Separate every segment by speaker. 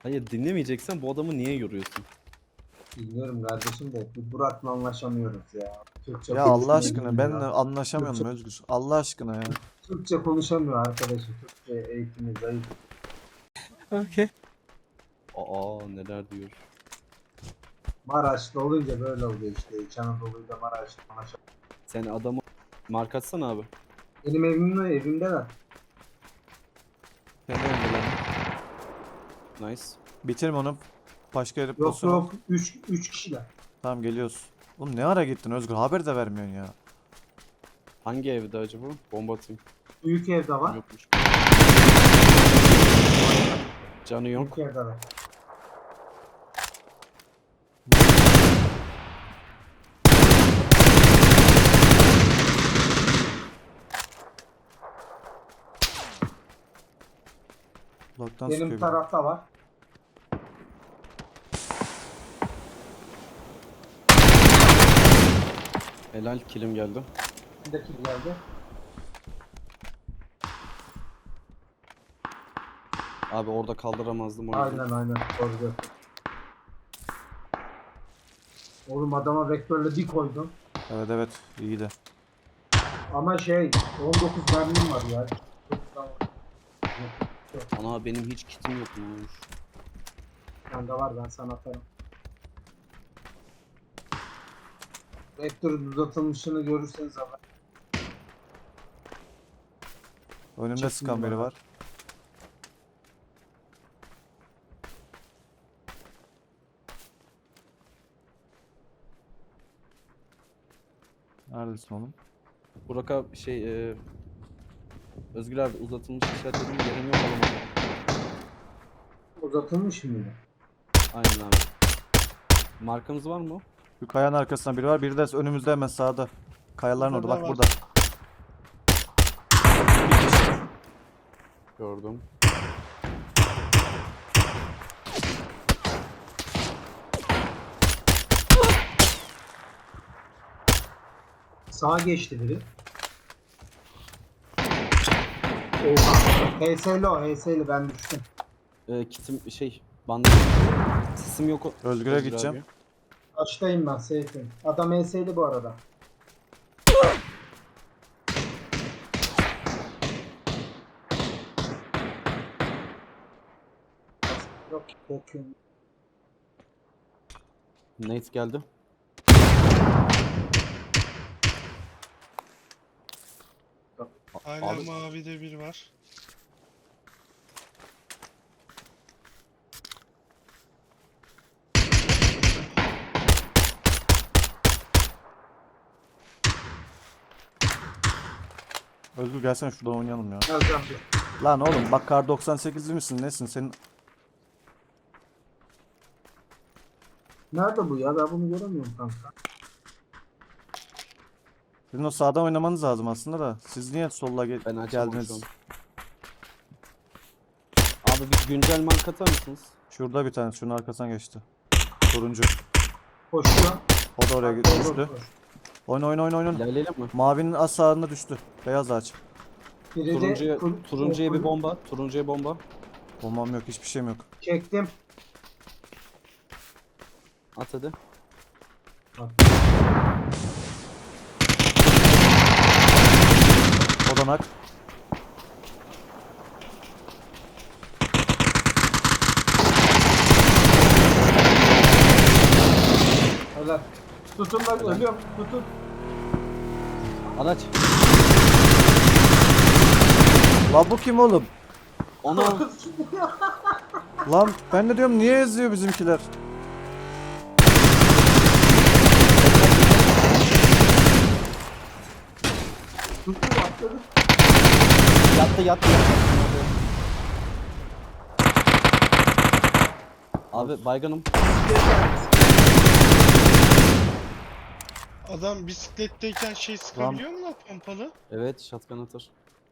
Speaker 1: Hayır, dinlemeyeceksen bu adamı niye yoruyorsun?
Speaker 2: Bilmiyorum kardeşim de bu Burak'la anlaşamıyoruz ya. Türkçe
Speaker 3: Ya Allah
Speaker 2: konuşmayı
Speaker 3: aşkına benle
Speaker 2: bilmiyor.
Speaker 3: anlaşamıyorum Özgür. Allah aşkına ya.
Speaker 2: Türkçe konuşamıyor arkadaşım. Türkçe eğitimi zayıf.
Speaker 1: Okay. Aa, neler diyor.
Speaker 2: Maraşlı olunca böyle oluyor işte. İç Anadolu'yla Maraşlı anlaşamıyor.
Speaker 1: Sen adamı mark atsana abi.
Speaker 2: Benim evimdeler.
Speaker 3: Kendi öndeler.
Speaker 1: Nice.
Speaker 3: Bitirme onu. Başka yere
Speaker 2: Yok
Speaker 3: pozisyon al.
Speaker 2: yok 3 kişiler.
Speaker 3: Tamam geliyoruz. Oğlum ne ara gittin Özgür? Haber de vermiyorsun ya.
Speaker 1: Hangi evde acaba? Bomba atayım.
Speaker 2: Büyük evde var.
Speaker 1: Yokmuş. Canı yok.
Speaker 2: Büyük evde var.
Speaker 3: Uzaktan
Speaker 2: Benim
Speaker 3: sıkıyor bir de.
Speaker 2: tarafta var.
Speaker 1: Helal, kilim geldi.
Speaker 2: Bir de kim geldi?
Speaker 1: Abi orada kaldıramazdım o yüzden.
Speaker 2: Aynen doğru diyorsun. Oğlum adama vektörle bir koydum.
Speaker 3: Evet iyi de.
Speaker 2: Ama 19 mermim var ya.
Speaker 1: Ana, benim hiç kitim yokmuş.
Speaker 2: Bende var, ben sana atarım. Vektörün uzatılmışını görürseniz haber.
Speaker 3: Önümde
Speaker 2: Çektim
Speaker 3: sıkan biri
Speaker 2: bana.
Speaker 3: var. Neredesin oğlum?
Speaker 1: Burak abi Özgür abi, uzatılmış işaretledim, yerim yok, alamadım.
Speaker 2: Uzatılmış mıydı?
Speaker 1: Aynen abi. Markamız var mı?
Speaker 3: Şu kayanın arkasında biri var. Biri de önümüzde hemen sağda. Kayaların orada.
Speaker 4: Burada
Speaker 3: Bak
Speaker 4: var.
Speaker 3: burada.
Speaker 1: Gördüm.
Speaker 2: Sağa geçti biri. Oha. HS'li ben düştüm.
Speaker 1: Kitim bandaj. Sesim yok.
Speaker 3: Özgür'e
Speaker 1: Özgür
Speaker 3: gideceğim.
Speaker 1: abi.
Speaker 2: Açtayım ben, safe'im. Adam HS'li bu arada. Yok korkuyorum.
Speaker 1: Nate geldi.
Speaker 4: Hala
Speaker 1: Abi-
Speaker 4: mavide bir var.
Speaker 3: Özgür gelsene şuradan oynayalım ya.
Speaker 2: Geleceğim bir.
Speaker 3: Lan oğlum bak kar 98'li misin nesin senin?
Speaker 2: Nerede bu ya? Ben bunu göremiyorum kanka.
Speaker 3: Sizin o sağdan oynamanız lazım aslında da. Siz niye solla
Speaker 1: Ben açamam
Speaker 3: geldiniz?
Speaker 1: şu an. Abi bir güncel mark atar mısınız?
Speaker 3: Şurada bir tane şunun arkasından geçti. Turuncu.
Speaker 2: Koşuyor.
Speaker 3: O da oraya
Speaker 2: Koş,
Speaker 3: düştü.
Speaker 2: koş.
Speaker 3: Oyna.
Speaker 1: İlerleyelim mi?
Speaker 3: Mavinin az sağında düştü. Beyaz ağaç.
Speaker 2: Biri de
Speaker 1: Turuncuya bir bomba. Turuncuya bomba.
Speaker 3: Bombam yok hiçbir şeyim yok.
Speaker 2: Çektim.
Speaker 1: At hadi.
Speaker 3: Odanak.
Speaker 2: Helal. Tutun bak, ölüyorum. Tutun.
Speaker 1: Araç.
Speaker 3: Lan bu kim oğlum?
Speaker 1: Ona.
Speaker 3: Lan ben de diyorum niye eziyor bizimkiler?
Speaker 2: Tutun, atladı.
Speaker 1: Yattı. Abi baygınım.
Speaker 4: Adam bisikletteyken sıkabiliyor mu lan pompalı?
Speaker 1: Evet, shotgun atar.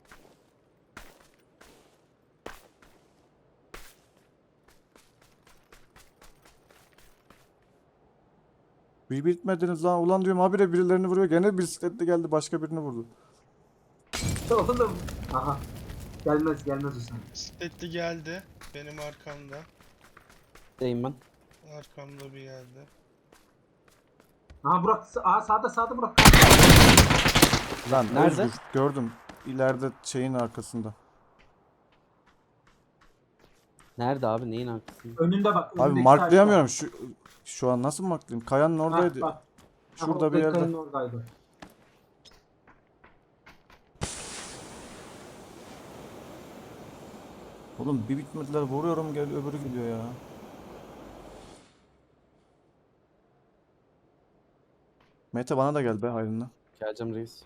Speaker 3: Bir bitmediniz lan. Ulan diyorum habire birilerini vuruyor. Gene bisikletle geldi başka birini vurdu.
Speaker 2: Oğlum. Aha. Gelmez o sana.
Speaker 4: Bisikletli geldi benim arkamda.
Speaker 1: Deyim ben.
Speaker 4: Arkamda bir yerde.
Speaker 2: Aha Burak sağda Burak.
Speaker 3: Lan
Speaker 1: Nerede?
Speaker 3: Özgür, gördüm. İleride şeyin arkasında.
Speaker 1: Nerede abi? Neyin arkasında?
Speaker 2: Önünde bak.
Speaker 3: Abi
Speaker 2: önündeki
Speaker 3: marklayamıyorum. Şu an nasıl marklayayım? Kayanın
Speaker 2: taşta.
Speaker 3: oradaydı.
Speaker 2: Bak.
Speaker 3: Şurada bir yerde.
Speaker 2: Kayanın oradaydı.
Speaker 3: Oğlum bir bitmediler, vuruyorum gel öbürü gidiyor ya. Mete bana da gel be hayrına.
Speaker 1: Geleceğim reis.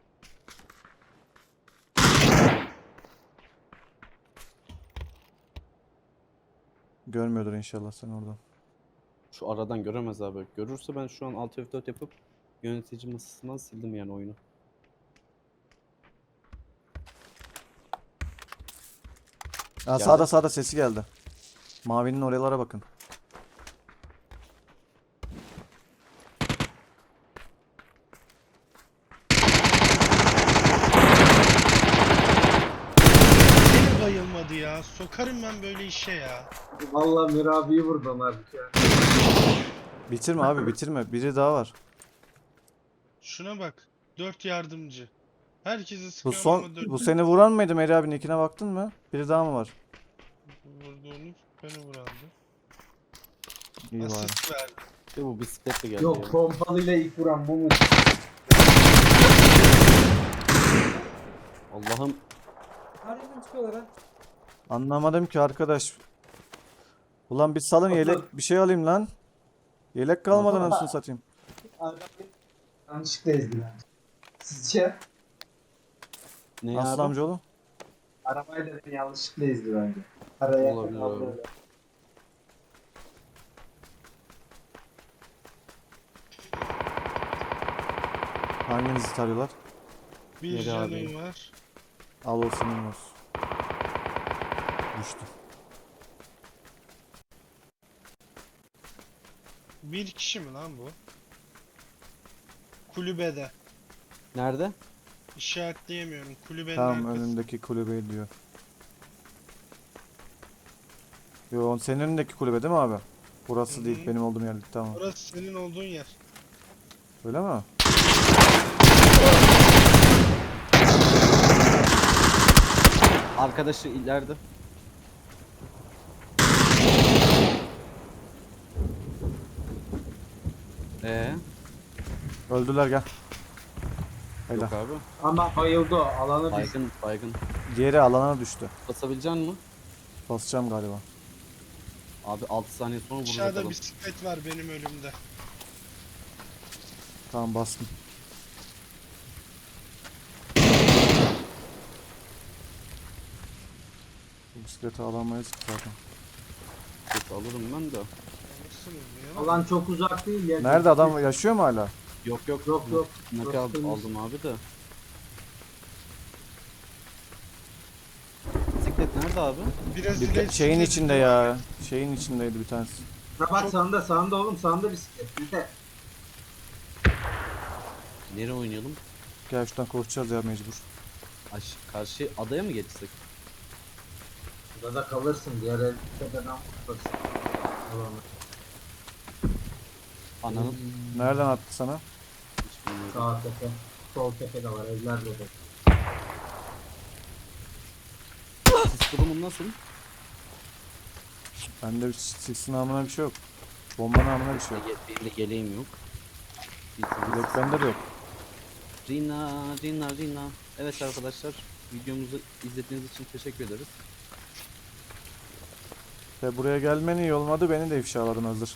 Speaker 3: Görmüyordur inşallah sen oradan.
Speaker 1: Şu aradan göremez abi. Görürse ben şu an Alt F4 yapıp yönetici masasından sildim yani oyunu.
Speaker 3: Aa,
Speaker 1: Geldi.
Speaker 3: sağda sesi geldi. Mavinin oralara bakın.
Speaker 4: Beni bayılmadı ya. Sokarım ben böyle işe ya.
Speaker 2: Vallahi Mirabi'yi vurdum abi ya.
Speaker 3: Bitirme abi bitirme. Biri daha var.
Speaker 4: Şuna bak. 4 yardımcı. Herkese
Speaker 3: Bu
Speaker 4: sıkıyorum
Speaker 3: son
Speaker 4: ama 4
Speaker 3: bu seni vuran mıydı Meri abinin ikine baktın mı? Biri daha mı var?
Speaker 4: vurduğunuz beni vurandı.
Speaker 3: İyi bari.
Speaker 4: Asist verdi.
Speaker 1: Ve bu bisikletle geldi
Speaker 2: Yok
Speaker 1: ya.
Speaker 2: pompalıyla ilk vuran bu mu?
Speaker 1: Allah'ım.
Speaker 3: Anlamadım ki arkadaş. Ulan bir salın yelek bir şey alayım lan. Yelek kalmadı anasını satayım.
Speaker 2: Yanlışlıkla ezdiler. Sizce?
Speaker 1: Ne
Speaker 3: Aslan
Speaker 1: abi?
Speaker 3: amcaoğlu.
Speaker 2: Arabayla beni yanlışlıkla ezdi bence. Araya
Speaker 1: Olabilir abi.
Speaker 3: Hanginizi tarıyorlar?
Speaker 4: Bir
Speaker 1: Neri
Speaker 4: canım
Speaker 1: abi?
Speaker 4: var.
Speaker 3: Al o senin olsun. Düştü.
Speaker 4: Bir kişi mi lan bu? Kulübede.
Speaker 1: Nerede?
Speaker 4: İşaretleyemiyorum. Kulübenin
Speaker 3: Tamam
Speaker 4: arkası.
Speaker 3: önündeki kulübeyi diyor. Yo senin önündeki kulübe değil mi abi? Burası
Speaker 4: Hı
Speaker 3: değil
Speaker 4: hı.
Speaker 3: benim olduğum yer değil tamam.
Speaker 4: Orası senin olduğun yer.
Speaker 3: Öyle mi?
Speaker 1: Arkadaşı ileride.
Speaker 3: Öldüler gel. Helal.
Speaker 1: Yok abi.
Speaker 2: Ama bayıldı o. Alanı düştü.
Speaker 1: Baygın baygın.
Speaker 3: Diğeri alana düştü.
Speaker 1: Basabilecek misin?
Speaker 3: Basacağım galiba.
Speaker 1: Abi 6 saniye sonra vuracak
Speaker 4: Aşağıda
Speaker 1: adam.
Speaker 4: bisiklet var benim önümde.
Speaker 3: Tamam bastım. Bu bisikleti alamayız ki zaten.
Speaker 1: Yok, alırım ben de.
Speaker 4: Alırsınız ya.
Speaker 2: Alan çok uzak değil ya.
Speaker 3: Nerede adam yaşıyor mu hala?
Speaker 1: Yok yok.
Speaker 2: Yok, yok.
Speaker 1: Nakal
Speaker 2: Yok, temiz.
Speaker 1: aldım abi de. Bisiklet nerede abi?
Speaker 4: Biraz
Speaker 3: Bir
Speaker 4: ileri
Speaker 3: şeyin
Speaker 4: bisiklet
Speaker 3: içinde
Speaker 4: var.
Speaker 3: ya. Şeyin içindeydi bir tanesi.
Speaker 2: Ha bak sağında oğlum sağında bisiklet. Bir de.
Speaker 1: Nereye oynayalım?
Speaker 3: Gel şuradan koşacağız ya mecbur.
Speaker 1: Karşı adaya mı geçsek?
Speaker 2: Burada da kalırsın. Diğer el tepeden kurtarsın. Alanı.
Speaker 1: Ananın
Speaker 3: Nereden attı sana?
Speaker 1: hiç bilmiyorum.
Speaker 2: Sağ tepe. Sol tepe de var. Evler de.
Speaker 1: Sis durumun nasıl?
Speaker 3: Bende bir siksin namına bir şey yok. Bomba namına bir şey yok.
Speaker 1: Benim de geleğim yok.
Speaker 3: Yok bende de yok.
Speaker 1: Rina. Evet arkadaşlar, videomuzu izlediğiniz için teşekkür ederiz.
Speaker 3: Ve buraya gelmen iyi olmadı beni de ifşaladın hazır.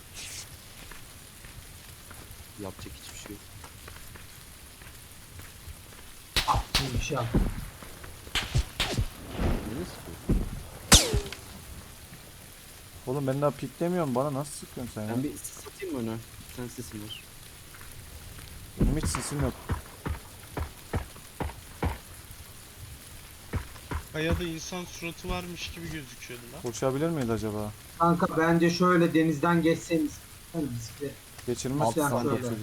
Speaker 1: Yapacak hiçbir şey yok.
Speaker 2: Bir şey yap.
Speaker 1: Ne sıkıyor?
Speaker 3: Oğlum ben daha piklemiyorum bana nasıl sıkıyorsun sen ya?
Speaker 1: Ben bir sis atayım mı öne? Bir tane sesim var.
Speaker 3: Benim hiç sesim yok.
Speaker 4: Kayada insan suratı varmış gibi gözüküyordu lan.
Speaker 3: Koşabilir miyiz acaba?
Speaker 2: Kanka bence şöyle denizden geçseniz. Hani bisiklet.
Speaker 3: Geçirmez
Speaker 1: Altı
Speaker 3: ki
Speaker 2: saniye.
Speaker 3: çocuk.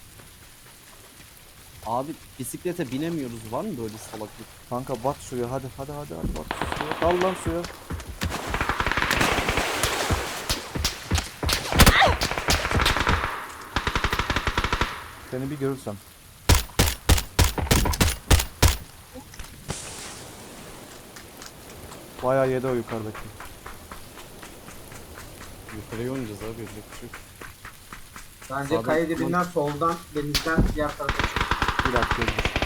Speaker 1: Abi bisiklete binemiyoruz. Var mı böyle salaklık?
Speaker 3: Kanka bat suya hadi bat suya. Dal lan suya. Seni bir görürsem. Bayağı yedi o yukarıdaki.
Speaker 1: Yukarıya oynayacağız abi. Yapacak bir şey yok.
Speaker 2: Bence
Speaker 1: Sağdan
Speaker 2: kaya
Speaker 1: tutman-
Speaker 2: dibinden soldan denizden diğer tarafa çık.
Speaker 3: Bir dakika.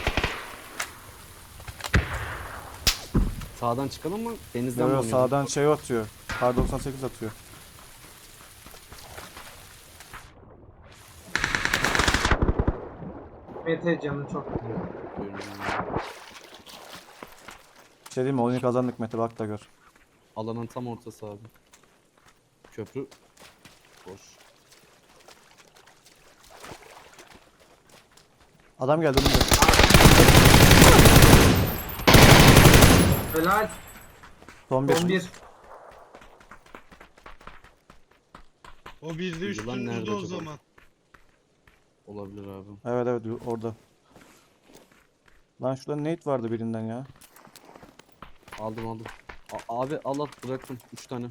Speaker 1: Sağdan çıkalım mı? Denizden
Speaker 3: Yo,
Speaker 1: mi
Speaker 3: yo,
Speaker 1: oynayalım?
Speaker 3: sağdan şey atıyor. Kar 98 atıyor.
Speaker 2: Mete canı çok gidiyor.
Speaker 1: Buyurun.
Speaker 3: Bir şey diyeyim mi? Oyunu kazandık Mete, bak da gör.
Speaker 1: Alanın tam ortası abi. Köprü boş.
Speaker 3: Adam geldi önümde.
Speaker 2: Helal.
Speaker 3: Son bir.
Speaker 2: Son bir.
Speaker 4: O bir de
Speaker 1: Yılan nerede
Speaker 4: üstümüzde o
Speaker 1: acaba?
Speaker 4: zaman.
Speaker 1: Olabilir abi.
Speaker 3: Evet evet orada. Lan şurada nade vardı birinden ya.
Speaker 1: Aldım. Abi al bıraktım. 3 tane.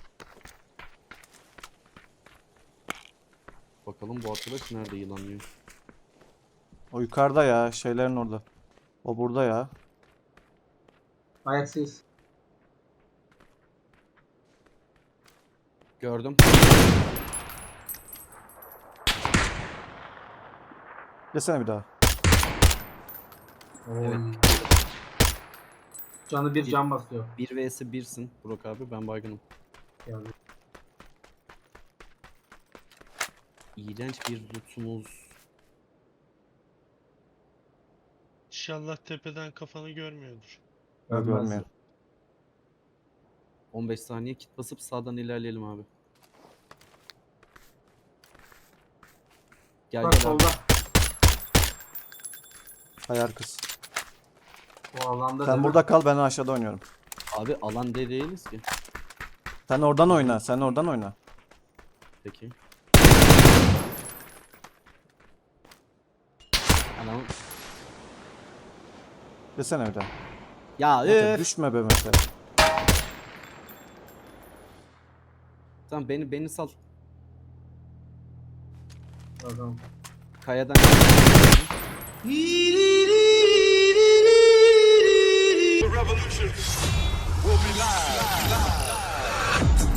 Speaker 1: Bakalım bu arkadaş nerede yılanlıyor.
Speaker 3: O yukarıda ya, şeylerin orada. O burada ya.
Speaker 2: Ayaksız.
Speaker 1: Gördüm.
Speaker 3: Desene bir daha.
Speaker 1: Evet.
Speaker 2: Canı bir can basıyor.
Speaker 1: 1 vs 1'sin Burak abi, ben baygınım.
Speaker 2: Yani.
Speaker 1: İğrenç bir lootumuz.
Speaker 4: İnşallah tepeden kafanı görmüyordur.
Speaker 3: Yok,
Speaker 2: Görmez.
Speaker 3: görmüyor.
Speaker 1: 15 saniye kit basıp sağdan ilerleyelim abi. Gel
Speaker 2: Bak
Speaker 1: gel abi.
Speaker 2: solda.
Speaker 3: Hayal kız.
Speaker 2: O alanda
Speaker 3: Sen
Speaker 2: değil mi?
Speaker 3: burada kal, ben aşağıda oynuyorum.
Speaker 1: Abi alan değiliz ki.
Speaker 3: Sen oradan oyna, sen oradan oyna.
Speaker 1: Peki. Anam.
Speaker 3: Desene bir daha.
Speaker 1: Ya
Speaker 3: Mete, düşme be Mete.
Speaker 1: Tamam beni sal.
Speaker 2: Adam.
Speaker 1: Kayadan.
Speaker 5: The revolution will be live.